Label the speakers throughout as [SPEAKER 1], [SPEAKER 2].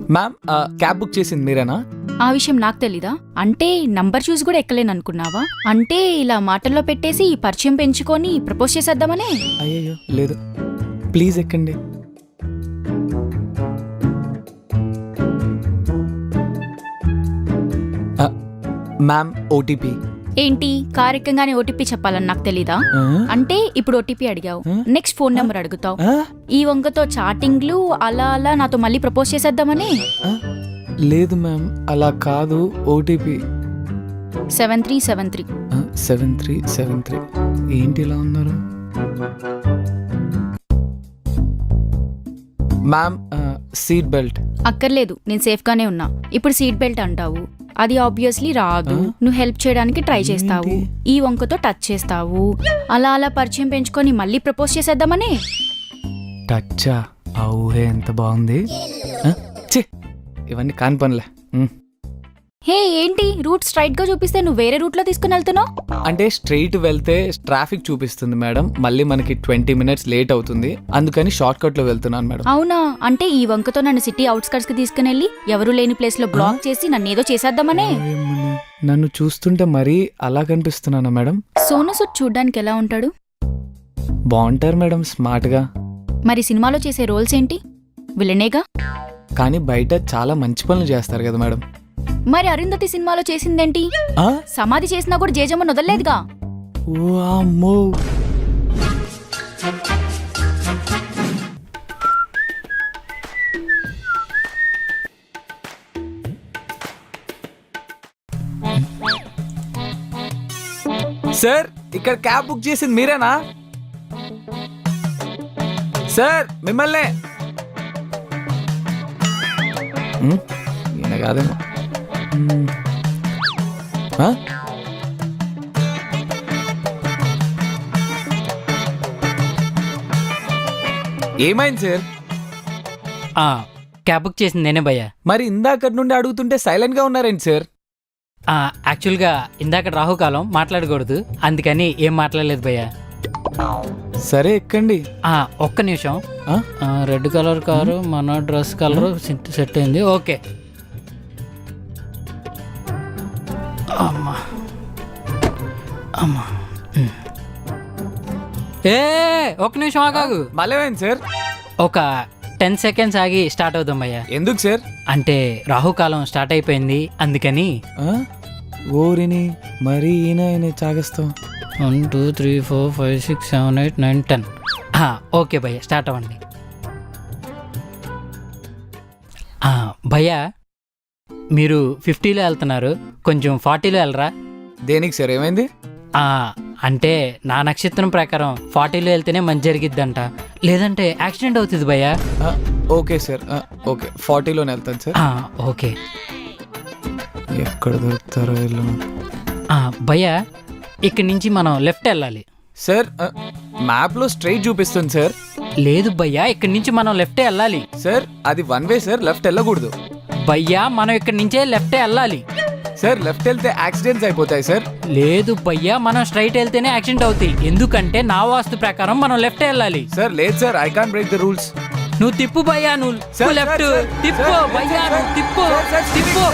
[SPEAKER 1] Ma'am cab book చేసింది మీరేనా?
[SPEAKER 2] ఆ విషయం నాకు తెలీదా? అంటే నంబర్ చూసి కూడా ఎక్కలేను అనుకున్నావా? అంటే ఇలా మాటల్లో పెట్టేసి పరిచయం పెంచుకొని ప్రపోజ్ చేసేద్దామనే?
[SPEAKER 1] అయ్యయ్యో లేదు, ప్లీజ్ ఎక్కండి. Ma'am OTP.
[SPEAKER 2] ఏంటి కార్ ఎక్కగానే ఓటీపీ చెప్పాలని నాకు తెలీదా? అంటే ఇప్పుడు ఓటీపీ అడిగావు, నెక్స్ట్ ఫోన్ నెంబర్ అడుగుతావు. ఈ వంకతో చాటింగ్లు అలా అలా నాతో మళ్ళీ ప్రపోజ్ చేసేద్దామని?
[SPEAKER 1] లేదు మ్యామ్, అలా కాదు. ఓటీపీ
[SPEAKER 2] 7373.
[SPEAKER 1] 7373. ఏంటి ఇలా ఉన్నారు? Ma'am seat belt.
[SPEAKER 2] అక్కర్లేదు, నేను సేఫ్ గానే ఉన్నా. ఇప్పుడు సీట్ బెల్ట్ అంటావు, అది ఆబ్వియస్లీ రాదు. నువ్వు హెల్ప్ చేయడానికి ట్రై చేస్తావు, ఈ వంకతో టచ్ చేస్తావు, అలా అలా పరిచయం పెంచుకొని మళ్ళీ ప్రపోజ్ చేసేద్దామని?
[SPEAKER 1] టచ్చా? ఊహే ఎంత బాగుంది. ఇవన్నీ కాని పనులే.
[SPEAKER 2] హే ఏంటి రూట్ స్ట్రైట్ గా చూపిస్తే నువ్వు వేరే రూట్ లో తీసుకుని వెళ్తున్నావు?
[SPEAKER 1] అంటే స్ట్రైట్ వెళ్తే ట్రాఫిక్ చూపిస్తుంది మేడం, మళ్ళీ మనకి 20 minutes లేట్ అవుతుంది, అందుకని షార్ట్ కట్ లో వెళ్తున్నాను మేడం.
[SPEAKER 2] అవునా? అంటే ఈ వంకతో నన్ను సిటీ అవుట్స్కట్స్ కి తీసుకుని వెళ్ళి ఎవరు లేని ప్లేస్ లో బ్లాక్ చేసి నన్ను ఏదో చేసేద్దామనే?
[SPEAKER 1] నన్ను చూస్తుంటే మరీ అలా కనిపిస్తున్నానా మేడం?
[SPEAKER 2] సోను సూద్ చూడ్డానికి ఎలా ఉంటాడు?
[SPEAKER 1] బాగుంటారు మేడం, స్మార్ట్ గా.
[SPEAKER 2] మరి సినిమాలో చేసే రోల్స్ ఏంటి? విలనేగా.
[SPEAKER 1] కానీ బయట చాలా మంచి పనులు చేస్తారు కదా మేడం.
[SPEAKER 2] మరి అరుంధతి సినిమాలో చేసిందేంటి? సమాధి చేసినా కూడా జేజమ్మని వదలలేదుగా.
[SPEAKER 1] సార్ ఇక్కడ క్యాబ్ బుక్ చేసింది మీరేనా? సార్ మిమ్మల్నే. ఈయన కాదేమో. ఏమైంది సార్?
[SPEAKER 3] క్యాబ్ బుక్ చేసింది నేనే భయ్యా.
[SPEAKER 1] మరి ఇందాకటి నుండి అడుగుతుంటే సైలెంట్ గా ఉన్నారేంటి సార్?
[SPEAKER 3] యాక్చువల్గా ఇందాక రాహుకాలం మాట్లాడకూడదు, అందుకని ఏం మాట్లాడలేదు భయ్యా.
[SPEAKER 1] సరే ఎక్కండి.
[SPEAKER 3] ఒక్క నిమిషం. రెడ్ కలర్ కారు, మన డ్రెస్ కలర్ సెట్ అయింది. ఓకే. అమ్మా అమ్మా. ఒక్క నిమిషం ఆగాగు.
[SPEAKER 1] మళ్ళీ సార్
[SPEAKER 3] ఒక 10 seconds ఆగి స్టార్ట్ అవుదాం భయ్యా.
[SPEAKER 1] ఎందుకు సార్?
[SPEAKER 3] అంటే రాహుకాలం స్టార్ట్ అయిపోయింది అందుకని.
[SPEAKER 1] ఓరిని మరి ఈయన చాగస్తాం.
[SPEAKER 3] 1 2 3 4 5 6 7 8 9 10. ఓకే భయ్యా, స్టార్ట్ అవ్వండి. భయ్యా మీరు 50లో వెళ్తున్నారు, కొంచెం 40లో వెళ్ళరా?
[SPEAKER 1] దేనికి సార్, ఏమైంది?
[SPEAKER 3] అంటే నా నక్షత్రం ప్రకారం 40లో వెళ్తేనే మంచి జరిగిద్దంట, లేదంటే యాక్సిడెంట్ అవుతుంది భయ్యా.
[SPEAKER 1] ఓకే సార్, ఓకే 40లోనే వెళ్తాను సార్.
[SPEAKER 3] ఓకే.
[SPEAKER 1] ఎక్కడ దొరుకుతారో వీళ్ళు.
[SPEAKER 3] భయ్యా ఇక్కడి నుంచి మనం లెఫ్ట్ వెళ్ళాలి
[SPEAKER 1] సార్. మ్యాప్ లో స్ట్రైట్ చూపిస్తుంది సార్.
[SPEAKER 3] లేదు భయ్యా, ఇక్కడి నుంచి మనం లెఫ్ట్ వెళ్ళాలి
[SPEAKER 1] సార్. అది 1 way సార్, లెఫ్ట్ వెళ్ళకూడదు.
[SPEAKER 3] భయ్యా మనం ఇక్కడి నుంచే లెఫ్ట్ వెళ్ళాలి
[SPEAKER 1] సార్. లెఫ్ట్ వెళ్తే యాక్సిడెంట్స్ అయిపోతాయి సార్.
[SPEAKER 3] లేదు భయ్యా, మనం స్ట్రైట్ వెళ్తేనే యాక్సిడెంట్ అవుతాయి, ఎందుకంటే నా వాస్తు ప్రకారం మనం లెఫ్ట్ వెళ్ళాలి.
[SPEAKER 1] సార్ లేదు sir, I can't break the rules.
[SPEAKER 3] నువ్వు తిప్పు భయ్యా, నువ్వు లెఫ్ట్ తిప్పు భయ్యా, నువ్వు తిప్పు తిప్పు.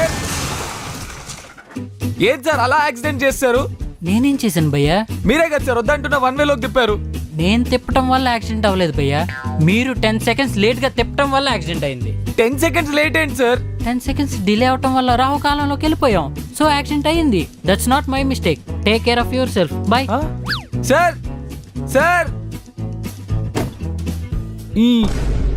[SPEAKER 1] ఏది సార్ అలా యాక్సిడెంట్ చేస్తారు?
[SPEAKER 3] నేనేం చేశాను భయ్యా?
[SPEAKER 1] మీరే కదా సార్ వద్దంటున్నా 1 way లోకి తిప్పారు.
[SPEAKER 3] నేను తిప్పటం వల్ల యాక్సిడెంట్ అవ్వలేదు భయ్యా, మీరు 10 seconds లేట్ గా తిప్పటం వల్ల యాక్సిడెంట్ అయింది.
[SPEAKER 1] 10 seconds లేట్ ఏంటి సార్?
[SPEAKER 3] 10 seconds డిలే అవటం వల్ల రాహుకాలంలోకి వెళ్ళిపోయాం, సో యాక్సిడెంట్ అయ్యింది. That's not my mistake. Take care of yourself. Bye.
[SPEAKER 1] Sir sir